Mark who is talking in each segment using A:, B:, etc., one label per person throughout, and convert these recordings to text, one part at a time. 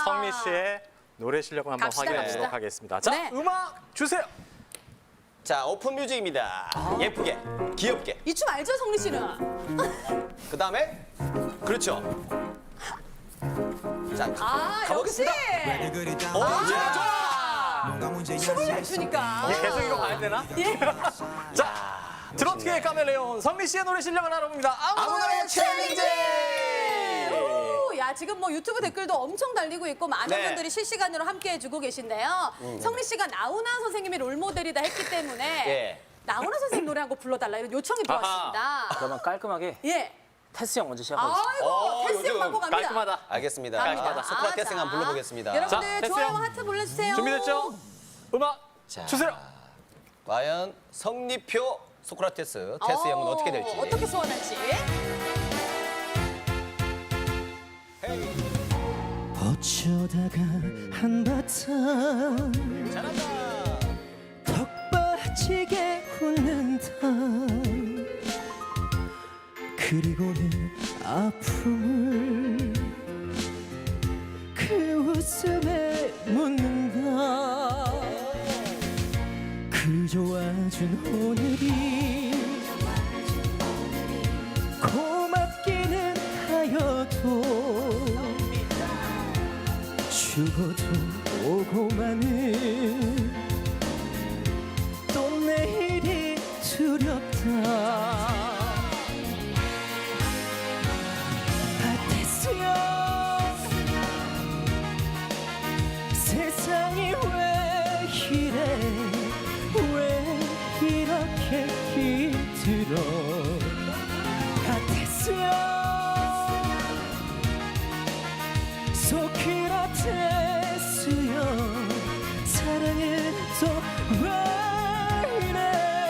A: 성미 씨의 노래 실력을 한번
B: 갑시다,
A: 확인해
B: 갑시다.
A: 보도록 하겠습니다. 자,
B: 네.
A: 음악 주세요.
C: 자, 오픈 뮤직입니다. 예쁘게, 귀엽게.
B: 이 춤 알죠, 성리 씨는?
C: 그 다음에 그렇죠. 자,
B: 아,
C: 가보겠습니다.
B: 역시.
C: 좋아.
B: 춤을 잘 추니까.
A: 계속 이거 봐야 되나?
B: 예.
A: 자, 트로트계의 카멜레온 성미 씨의 노래 실력을 알아봅니다.
C: 아무나의 챌린지!
B: 오, 야, 지금 뭐 유튜브 댓글도 엄청 달리고 있고 많은
C: 네.
B: 분들이 실시간으로 함께 해주고 계신데요. 성리 씨가 나훈아 선생님이 롤모델이다 했기 때문에
C: 예.
B: 나훈아 선생님 노래 한 곡 불러달라 이런 요청이 들어왔습니다.
D: 그러면 깔끔하게
B: 예.
D: 테스 형 먼저 시작하겠습니다.
B: 아이고, 테스
C: 요즘
B: 방법 갑니다.
A: 깔끔하다.
C: 알겠습니다.
B: 갑니다.
C: 소크라테스
B: 자,
C: 한번 불러보겠습니다.
B: 여러분들
A: 자, 테스
B: 좋아요와
A: 형.
B: 하트 불러주세요.
A: 준비됐죠? 음악
C: 자,
A: 주세요.
C: 과연 성리표 소크라테스 테스 형은 어떻게 될지.
B: 어떻게 소원할지.
E: 어쩌다가 한바탕
C: 잘한다.
E: 턱 빠지게 웃는다 그리고 내 아픔을 그 웃음에 묻는다 그저 와준 오늘이 고맙기는 하여도 죽어도 오고 마는 또 내일이 두렵다 아테스야 세상이 왜 이래 왜 이렇게 힘들어 아테스야 소크라테스여 사랑은 또 왜 이래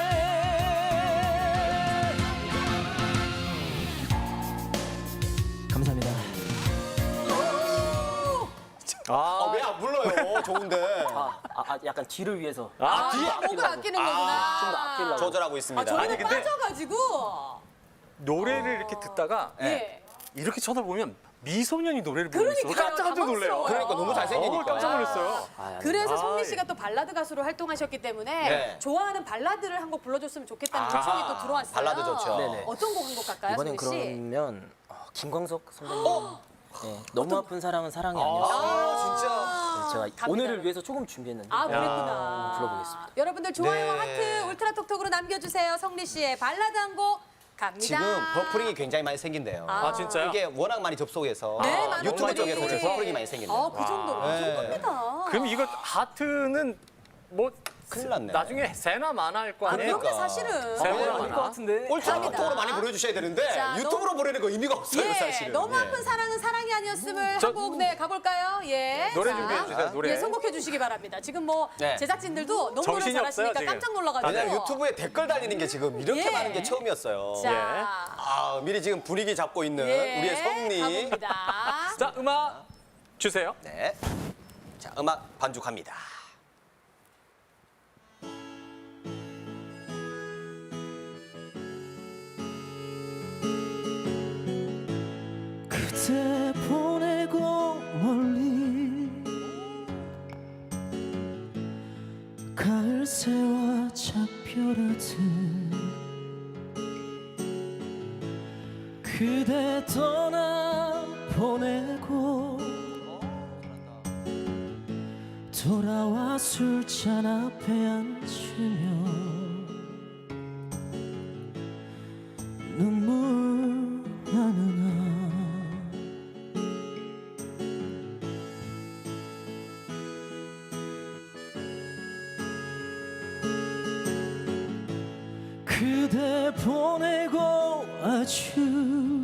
E: 감사합니다.
C: 왜 안 불러요? 좋은데.
D: 약간 뒤를 위해서.
B: 목을 아끼는 거구나.
D: 좀더 아끼려고.
C: 조절하고 있습니다.
B: 저는
A: 아니, 근데-
B: 빠져가지고.
A: 노래를 이렇게 듣다가
B: 예.
A: 이렇게 쳐다보면 미소년이 노래를 부르고 있어.
B: 그러니까요,
A: 깜짝 놀래요.
B: 당황스러워요.
C: 그러니까 너무 잘생기니까.
A: 깜짝 놀랐어요.
B: 그래서
A: 아,
B: 성미
A: 예.
B: 씨가 또 발라드 가수로 활동하셨기 때문에
C: 네.
B: 좋아하는 발라드를 한 곡 불러줬으면 좋겠다는
A: 아하.
B: 요청이 또 들어왔어요.
C: 발라드 좋죠.
D: 네네.
B: 어떤 곡 한 곡 갈까요,
D: 이번엔
B: 성미 씨?
D: 그러면 김광석 선배님. 네, 너무 아픈 사랑은 사랑이 아니었어.
C: 아, 진짜.
D: 제가
B: 갑니다.
D: 오늘을 위해서 조금 준비했는데.
B: 아, 그랬구나.
D: 불러보겠습니다.
B: 여러분들 좋아요,
C: 네.
B: 하트, 울트라톡톡으로 남겨주세요. 성리 씨의 발라드 한 곡 갑니다.
C: 지금 버프링이 굉장히 많이 생긴대요.
A: 아, 진짜요?
C: 이게 워낙 많이 접속해서
B: 네, 많은
C: 유튜브
B: 분들이.
C: 쪽에서 지금 버프링이 많이 생긴대요.
B: 그 정도로. 그
C: 네.
B: 정도입니다.
A: 그럼 이거 하트는 뭐
C: 큰일 났네.
A: 나중에 세나 마나 할 거 아니에요?
B: 그럼요, 사실은.
A: 세나
D: 아닐 것
A: 마나.
D: 같은데.
C: 울트라톡톡으로 많이 보내주셔야 되는데
B: 자,
C: 유튜브로 보내는 거 의미가 없어요,
B: 예,
C: 사실은.
B: 너무
C: 예.
B: 아픈 사랑은 사랑이 아니었음을
A: 저-
B: 한 곡 네, 가볼까요? 예.
A: 노래
B: 자,
A: 준비해 주세요. 노래.
B: 예, 선곡해 주시기 바랍니다. 지금 뭐
C: 네.
B: 제작진들도 너무
A: 정신이
B: 잘하시니까
A: 없어요, 지금.
B: 깜짝 놀라가지고.
C: 왜냐면 유튜브에 댓글 달리는 게 지금 이렇게
B: 예.
C: 많은 게 처음이었어요.
B: 자,
C: 아, 미리 지금 분위기 잡고 있는
B: 예,
C: 우리의 성리.
B: 가봅니다.
A: 자, 음악 주세요.
C: 네. 자, 음악 반죽합니다.
E: 그대 보내고 멀리 가을 새와 작별하듯 그대 떠나 보내고 돌아와 술잔 앞에 앉으며 눈물 나누나 그대 보내고 아주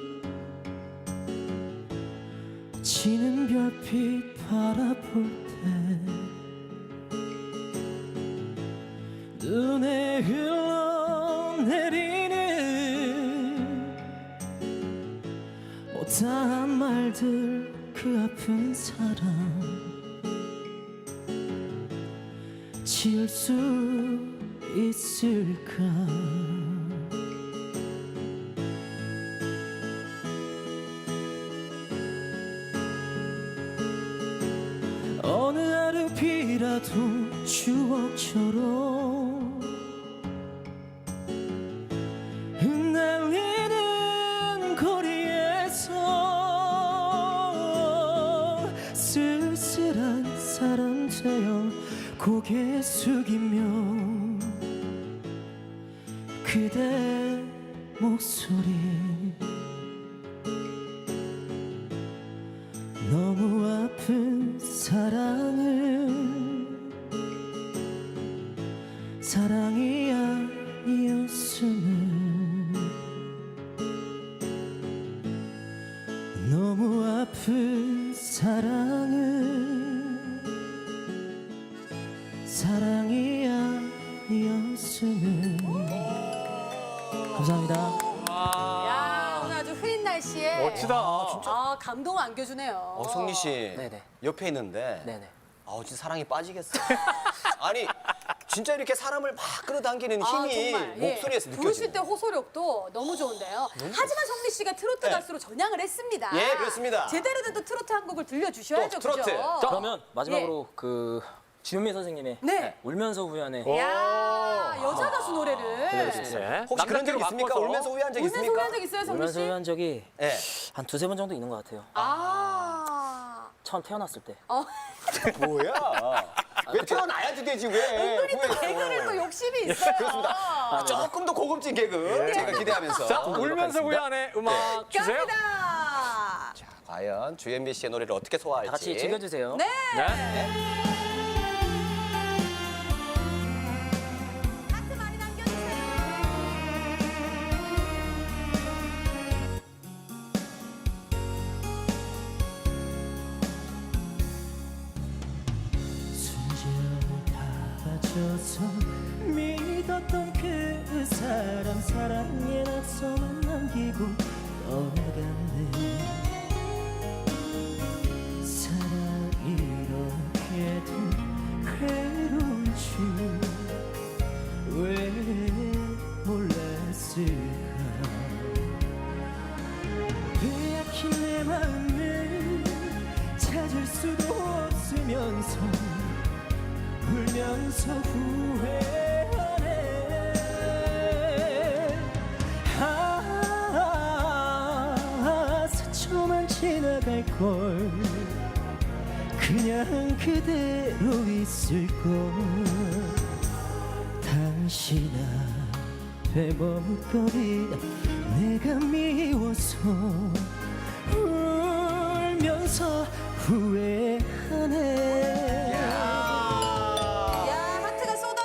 E: 지는 별빛 바라볼 때 눈에 흘러내리는 못다한 말들 그 아픈 사랑 지울 수 있을까 조금이라도 추억처럼 흩날리는 거리에서 쓸쓸한 사람 되어 고개 숙이며 그대 목소리 너무 아픈 사랑을 사랑이 아니었으면 너무 아픈 사랑을 사랑이 아니었으면 감사합니다.
B: 야, 오늘 아주 흐린 날씨에
A: 멋지다.
B: 아, 감동을 안겨주네요.
C: 성리 씨
D: 네네.
C: 옆에 있는데
D: 네네.
C: 진짜 사랑이 빠지겠어. 아니 진짜 이렇게 사람을 막 끌어당기는 힘이
B: 정말,
C: 목소리에서
B: 부르실
C: 느껴지네.
B: 때 호소력도 너무 좋은데요. 하지만 성리 씨가 트로트
C: 네.
B: 가수로 전향을 했습니다.
C: 예, 그렇습니다.
B: 제대로 된 또 트로트 한 곡을 들려주셔야죠.
C: 또 트로트.
B: 그죠?
D: 그러면 마지막으로 그 주현미 선생님의
B: 네.
D: 울면서 후연의
B: 야, 여자 가수 노래를
A: 네.
C: 혹시 그런 적
A: 남자끼리
C: 있습니까?
A: 바꿔서.
C: 울면서 후회한 적
B: 울면서
C: 있습니까?
B: 후회한 적 있어요, 성리
D: 울면서
B: 씨?
D: 후회한 적이
C: 예.
D: 한 두세 번 정도 있는 것 같아요. 처음 태어났을 때.
C: 뭐야? 왜 태어나야지 되지 왜?
B: 은근히 또
C: 후회했어.
B: 개그를 또 욕심이 있어요.
C: 그렇습니다. 조금 더 고급진 개그 제가 기대하면서.
A: 자, 울면서 후회하네 음악 주세요.
B: 갑니다.
C: 자, 과연 주현미 씨의 노래를 어떻게 소화할지.
D: 다 같이 즐겨주세요.
B: 네.
A: 네.
B: 하트 많이 남겨주세요.
E: 순진을 받아줘서 믿었던 그 사람 사랑의 낙서만 남기고 떠나갔네. 사랑이 이렇게도 괴로운 줄 왜 몰랐을까. 빼앗긴 내 마음을 찾을 수도 없으면서 울면서 후회하네. 스쳐만 지나갈걸 그냥 그대로 있을걸. 당신 앞에 머뭇거리 내가 미워서 울면서 후회